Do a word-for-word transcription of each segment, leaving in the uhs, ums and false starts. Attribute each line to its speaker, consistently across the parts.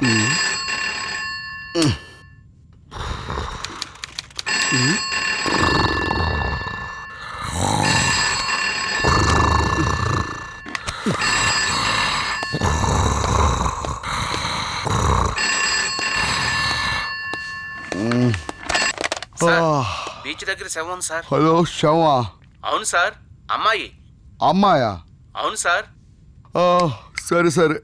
Speaker 1: Beach దగ్గర శవం sir.
Speaker 2: Hello శవా?
Speaker 1: అవును సార్. అమ్మాయి.
Speaker 2: అమ్మాయా?
Speaker 1: అవును సార్.
Speaker 2: సరే సరే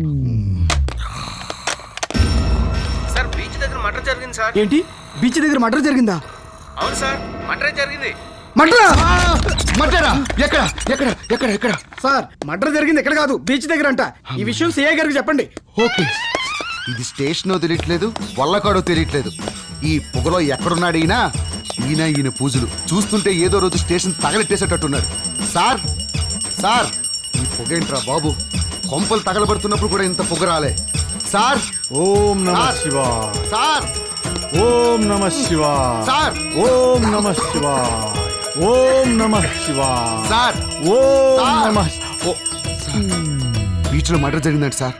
Speaker 1: సార్ బీచ్ దగ్గర మర్డర్ జరిగింది సార్.
Speaker 3: ఏంటి బీచ్ దగ్గర మర్డర్ జరిగిందా?
Speaker 1: అవును సార్, మర్డర్ జరిగింది.
Speaker 3: మర్డరా?
Speaker 2: మర్డరా? ఎక్కడ ఎక్కడ ఎక్కడ ఎక్కడ?
Speaker 3: సార్ మర్డర్ జరిగింది ఎక్కడ కాదు, బీచ్ దగ్గర అంట. ఈ విషయం సిఐ గారికి చెప్పండి.
Speaker 2: ఓకే. ఇది స్టేషనో తెలియట్లేదు, వల్లకాడో తెలియట్లేదు. ఈ పొగలో ఎక్కడున్నాడు ఈయన? ఈయన ఈయన పూజలు చూస్తుంటే ఏదో రోజు స్టేషన్ తగలెట్టేసేటట్టున్నారు. సార్ సార్ ఈ పొగేంట్రా బాబు? కొంపలు తగలబడుతున్నప్పుడు కూడా ఇంత పొగ రాలే సార్.
Speaker 4: ఓం నమః
Speaker 2: సార్.
Speaker 4: శివాయ.
Speaker 2: సార్
Speaker 4: ఓం నమః శివాయ.
Speaker 2: సార్
Speaker 4: ఓం నమః శివాయ. ఓం నమః శివాయ.
Speaker 2: సార్
Speaker 4: ఓం
Speaker 2: సార్.
Speaker 4: నమః.
Speaker 2: ఓ సార్, బీచ్లో మర్డర్ జరిగిందంట సార్.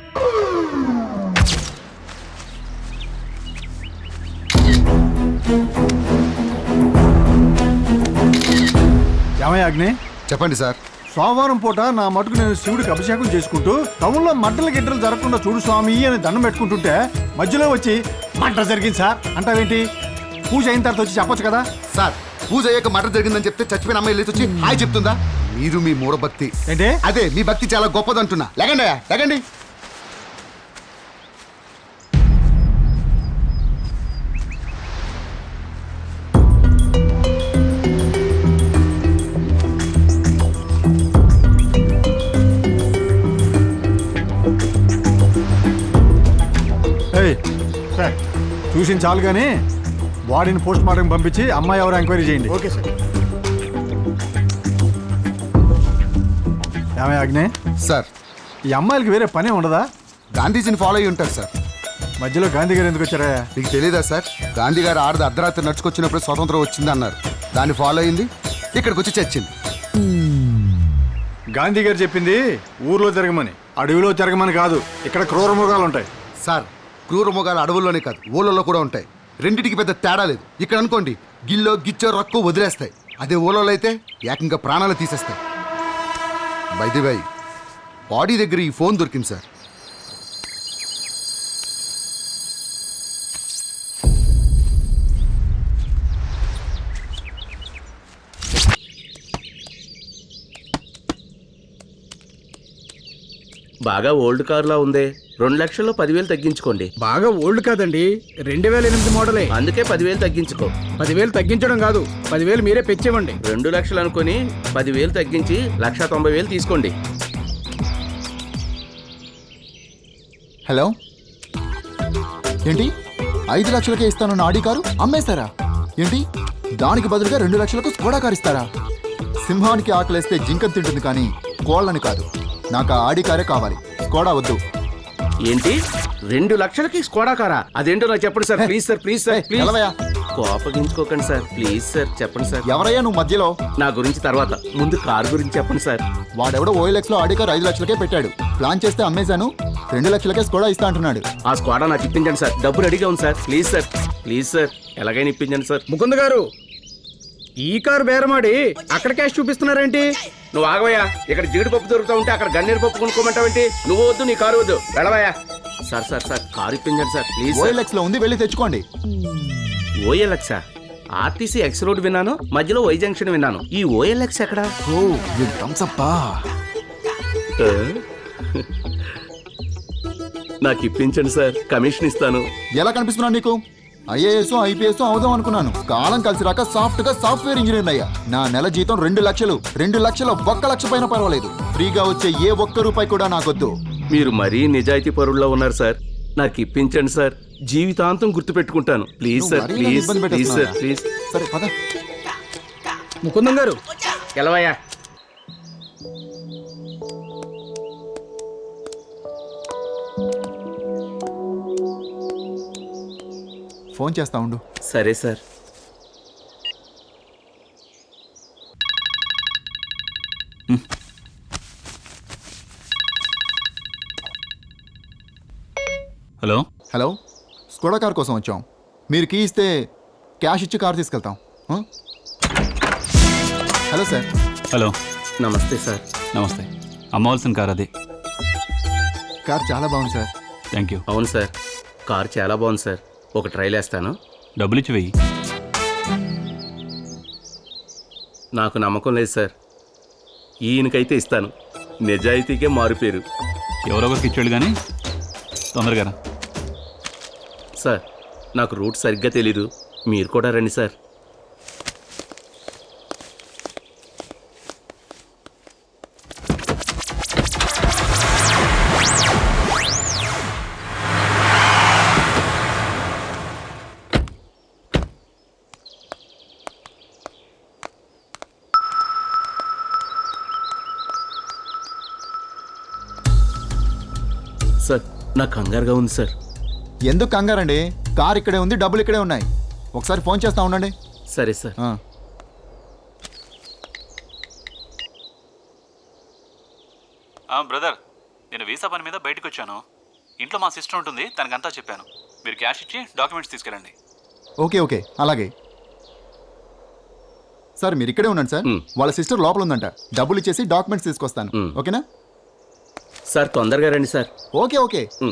Speaker 4: ఏమయ్య అగ్ని?
Speaker 2: చెప్పండి సార్.
Speaker 4: సోమవారం పూట నా మటుకు నేను శివుడికి అభిషేకం చేసుకుంటూ టౌన్లో మడ్డలు గిడ్డలు జరగకుండా చూడు స్వామి అని దండం పెట్టుకుంటుంటే మధ్యలో వచ్చి మడ్డ జరిగింది సార్ అంటావేంటి? పూజ అయిన తర్వాత వచ్చి చెప్పొచ్చు కదా.
Speaker 2: సార్ పూజ అయ్యాక మర్డర్ జరిగిందని చెప్తే చచ్చిపోయిన అమ్మాయి లేచి వచ్చి హాయ్ చెప్తుందా? మీరు మీ మూఢభక్తి.
Speaker 4: ఏంటి?
Speaker 2: అదే మీ భక్తి చాలా గొప్పదంటున్నా. లేకండి అయ్యా, లేకండి.
Speaker 4: ఏయ్, సార్ చూసిన చాలు కానీ బాడీని పోస్ట్ మార్టం పంపించి అమ్మాయి ఎవరు ఎంక్వైరీ చేయండి.
Speaker 3: Okay sir.
Speaker 4: ఏమయ్య అగ్ని?
Speaker 2: సార్
Speaker 4: ఈ అమ్మాయిలకి వేరే పనే ఉండదా?
Speaker 2: గాంధీజీని ఫాలో అయ్యి ఉంటారు సార్.
Speaker 4: మధ్యలో గాంధీ గారు ఎందుకు వచ్చారా?
Speaker 2: మీకు తెలీదా సార్? గాంధీ గారు ఆడది అర్ధరాత్రి నడుచుకొచ్చినప్పుడు స్వతంత్రం వచ్చింది అన్నారు. దాన్ని ఫాలో అయింది, ఇక్కడికి వచ్చి చచ్చింది.
Speaker 4: గాంధీ గారు చెప్పింది ఊర్లో జరగమని, అడవిలో జరగమని కాదు. ఇక్కడ క్రూర మృగాలు ఉంటాయి.
Speaker 2: సార్ క్రూర మొగాలు అడవుల్లోనే కాదు ఊళ్ళలో కూడా ఉంటాయి. రెండిటికి పెద్ద తేడా లేదు. ఇక్కడ అనుకోండి గిల్లో గిచ్చో రక్కు వదిలేస్తాయి. అదే ఊళ్ళలో అయితే ఏకంగా ప్రాణాలు తీసేస్తాయి. బైది బై బాడీ దగ్గర ఈ ఫోన్ దొరికింది సార్.
Speaker 1: బాగా ఓల్డ్ కార్ లా ఉందే. రెండు లక్షల్లో పదివేలు తగ్గించుకోండి.
Speaker 3: బాగా ఓల్డ్ కాదండి, రెండు వేల ఎనిమిది మోడలే.
Speaker 1: అందుకే పదివేలు తగ్గించుకో.
Speaker 3: పదివేలు తగ్గించడం కాదు, పదివేలు మీరే పెంచేవండి.
Speaker 1: రెండు లక్షలు అనుకుని పదివేలు తగ్గించి లక్ష తొంభై వేలు తీసుకోండి.
Speaker 5: హలో, ఏంటి ఐదు లక్షలకే ఇస్తానన్న ఆడి కారు అమ్మేస్తారా ఏంటి? దానికి బదులుగా రెండు లక్షలకు స్కోడా కారు ఇస్తారా? సింహానికి ఆకలేస్తే జింకను తింటుంది కానీ కోళ్ళని కాదు. నాకు ఆ ఆడి కారే కావాలి, స్కోడా వద్దు.
Speaker 1: ఏంటి రెండు లక్షలకి స్కోడా కారా? అదేంటో నాకు చెప్పండి sir. Please sir, please sir, please.
Speaker 5: ఎలవయ్యా,
Speaker 1: కోపగించుకోకండి సార్, ప్లీజ్ సార్, చెప్పండి సార్.
Speaker 5: ఎవరయ్యా నువ్వు మధ్యలో?
Speaker 1: నా గురించి తర్వాత, ముందు కార్ గురించి చెప్పండి సార్.
Speaker 5: వాడెవడో ఓఎల్ఎక్స్ లో ఆడి కారు ఐదు లక్షలకే పెట్టాడు. ప్లాన్ చేస్తే అమ్మేశాను, రెండు లక్షలకే స్కోడా ఇస్తా అంటున్నాడు.
Speaker 1: ఆ స్కోడా నాకు ఇప్పించండి సార్. డబ్బు రెడీగా ఉంది sir. Please sir, please sir, ఎలాగైనా ఇప్పించండి సార్.
Speaker 3: ముకుంద్ గారు, ఈ కారు బేరమాడి అక్కడ క్యాష్ చూపిస్తున్నారేంటి?
Speaker 1: నువ్వు ఆగవయ్యా. ఇక్కడ జీడిపప్పు దొరుకుతా ఉంటే అక్కడ గన్నేరు పప్పు కొనుక్కోమంటావేంటి? నువ్వు వద్దు, నీ కారు వద్దు, వెళ్ళవయ్యా. సార్ సార్ సార్ కారు ఇప్పించండి సార్, ప్లీజ్.
Speaker 5: ఓఎల్ఎక్స్ లో ఉంది, వెళ్ళి తెచ్చుకోండి.
Speaker 1: ఓఎల్ఎక్స్ ఆర్టీసీ ఎక్స్ రోడ్ విన్నాను, మధ్యలో వై జంక్షన్ విన్నాను. ఈ ఓఎల్ఎక్స్ ఎక్కడ?
Speaker 5: ఓ వీడు థమ్స్ అప్పా.
Speaker 1: నాకు ఇప్పించండి సార్, కమిషన్ ఇస్తాను.
Speaker 5: ఎలా కనిపిస్తున్నా నీకు? ఐఏఎస్ ఐపీఎస్ అవుదాం అనుకున్నాను. కాలం కలిసి రాక సాఫ్ట్ గా సాఫ్ట్వేర్ ఇంజనీర్ అయ్యా. నా నెల జీతం రెండు లక్షలు. రెండు లక్షల ఒక్క లక్ష పైన పర్వాలేదు. ఫ్రీగా వచ్చే ఏ ఒక్క రూపాయి కూడా నాకొద్దు.
Speaker 1: మీరు మరీ నిజాయితీ పరుల్లో ఉన్నారు సార్. నాకు ఇప్పించండి సార్, జీవితాంతం గుర్తు పెట్టుకుంటాను. ప్లీజ్ సార్,
Speaker 5: మరీ
Speaker 1: ప్లీజ్
Speaker 5: ఇబ్బంది
Speaker 1: ప్లీజ్ సార్,
Speaker 5: పెట్టేస్తున్నావా?
Speaker 1: ప్లీజ్.
Speaker 5: సరే పద.
Speaker 3: ముకుందం గారు,
Speaker 1: ఎలవయ్యా.
Speaker 5: ఫోన్ చేస్తా ఉండు.
Speaker 1: సరే sir.
Speaker 6: Hello
Speaker 5: hello Skoda car కోసం వచ్చాం. మీరు కీ ఇస్తే క్యాష్ ఇచ్చి కార్ తీసుకెళ్తాం. ఆ? Hello sir.
Speaker 6: Hello
Speaker 1: namaste sir.
Speaker 6: Namaste. అమ్మవలసిన కార్ అదే.
Speaker 5: కార్ చాలా బాగుంది సార్.
Speaker 6: Thank you.
Speaker 1: అవును సార్, కారు చాలా బాగుంది సార్. ఒక ట్రైల్ వేస్తాను.
Speaker 6: డబ్బులు ఇచ్చి వెయ్యి.
Speaker 1: నాకు నమ్మకం లేదు సార్. ఈయనకైతే ఇస్తాను. నిజాయితీకే మారుపేరు.
Speaker 6: ఎవరో ఒకరికి ఇచ్చాడు కానీ తొందరగా రా.
Speaker 1: సార్, నాకు రూట్ సరిగ్గా తెలీదు. మీరు కూడా రండి సార్. సార్, నాకు కంగారుగా ఉంది సార్.
Speaker 5: ఎందుకు కంగారండి? కార్ ఇక్కడే ఉంది, డబ్బులు ఇక్కడే ఉన్నాయి. ఒకసారి ఫోన్ చేస్తా ఉండండి.
Speaker 1: సరే సార్.
Speaker 5: ఆ.
Speaker 6: బ్రదర్, నేను వీసా పని మీద బయటకు వచ్చాను. ఇంట్లో మా సిస్టర్ ఉంటుంది, తనకంతా చెప్పాను. మీరు క్యాష్ ఇచ్చి డాక్యుమెంట్స్ తీసుకెళ్ళండి.
Speaker 5: ఓకే ఓకే అలాగే. సార్ మీరు ఇక్కడే ఉండండి సార్.
Speaker 1: మ్.
Speaker 5: వాళ్ళ సిస్టర్ లోపల ఉందంట. డబ్బులు ఇచ్చేసి డాక్యుమెంట్స్ తీసుకొస్తాను.
Speaker 1: మ్.
Speaker 5: ఓకేనా?
Speaker 1: సార్, తొందరగా రండి sir.
Speaker 5: Okay okay.
Speaker 1: Um.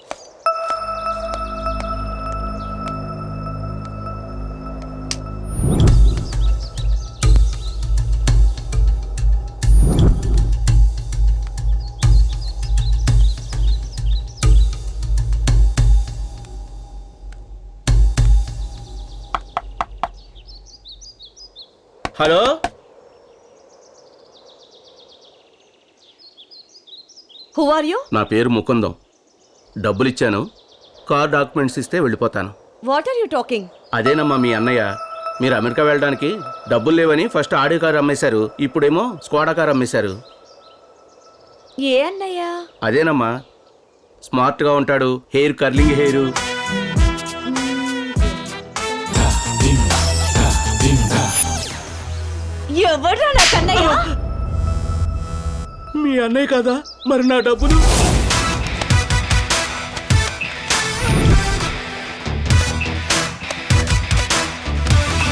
Speaker 1: Hello,
Speaker 7: who are you?
Speaker 1: నా పేరు ముకుందం. డబ్బులు ఇచ్చాను. కార్ డాక్యుమెంట్స్ ఇస్తే వెళ్ళిపోతాను.
Speaker 7: What are you talking?
Speaker 1: అదేనమ్మా మీ అన్నయ్య. మీరు అమెరికా వెళ్ళడానికి డబ్బులు లేవని ఫస్ట్ ఆడి కారు అమ్మేశారు. ఇప్పుడేమో స్కోడా కారు అమ్మేశారు.
Speaker 7: ఏ అన్నయ్య?
Speaker 1: అదేనమ్మా, స్మార్ట్గా ఉంటాడు. Hair curling hair.
Speaker 7: ఎవడ్రా నాకు అన్నయ్య?
Speaker 1: మీ అన్నయ్య కదా, మరి నా డబ్బులు?